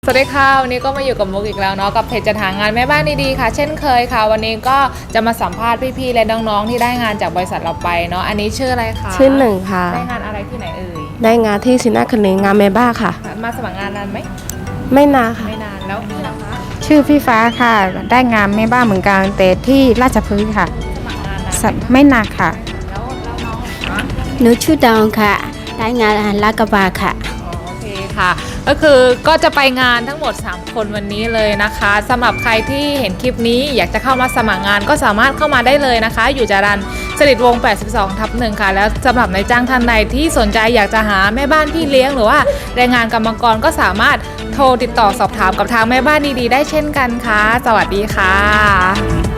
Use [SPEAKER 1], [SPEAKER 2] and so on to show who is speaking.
[SPEAKER 1] สวัสดีค่ะวันนี้ก็มาอยู่กับมุกอีกแล้วเนาะกับเพจจัดหางานแม่บ้านดีๆค่ะเช่นเคยค่ะวันนี้ก็จะมาสัมภาษณ์พี่ๆและน้องๆที่ได้งานจากบริษัทเราไปเนาะอันนี้ชื่ออะไรคะ
[SPEAKER 2] ชื่อหนึ่งค่ะ
[SPEAKER 1] ได้งานอะไรที่ไหนเอ่ย
[SPEAKER 2] ได้งานที่ซินาคเนงานเมบ้าค่ะ
[SPEAKER 1] มาสมัครงานนานไหม
[SPEAKER 2] ไม่นานค่ะ
[SPEAKER 1] ไม่นานแล้วพี่ล่ะคะ
[SPEAKER 3] ชื่อพี่ฟ้าค่ะได้งานแม่บ้านเหมือนกันแต่ที่ราชพฤกษ์ค่ะ
[SPEAKER 1] สมัครงานนานไหม
[SPEAKER 3] ไม่หนักค่ะ
[SPEAKER 1] แล้วน้องคะ
[SPEAKER 4] หนูชื่อดองค่ะได้งานลาดกระบังค่ะ
[SPEAKER 1] โอเคค่ะก็คือก็จะไปงานทั้งหมด3คนวันนี้เลยนะคะสำหรับใครที่เห็นคลิปนี้อยากจะเข้ามาสมัครงานก็สามารถเข้ามาได้เลยนะคะอยู่จรัญสฤษดิ์วงศ์ 82/1 ค่ะแล้วสำหรับนายจ้างท่านใดที่สนใจอยากจะหาแม่บ้านพี่เลี้ยงหรือว่าแรงงานกรรมกรก็สามารถโทรติดต่อสอบถามกับทางแม่บ้านดีๆได้เช่นกันค่ะสวัสดีค่ะ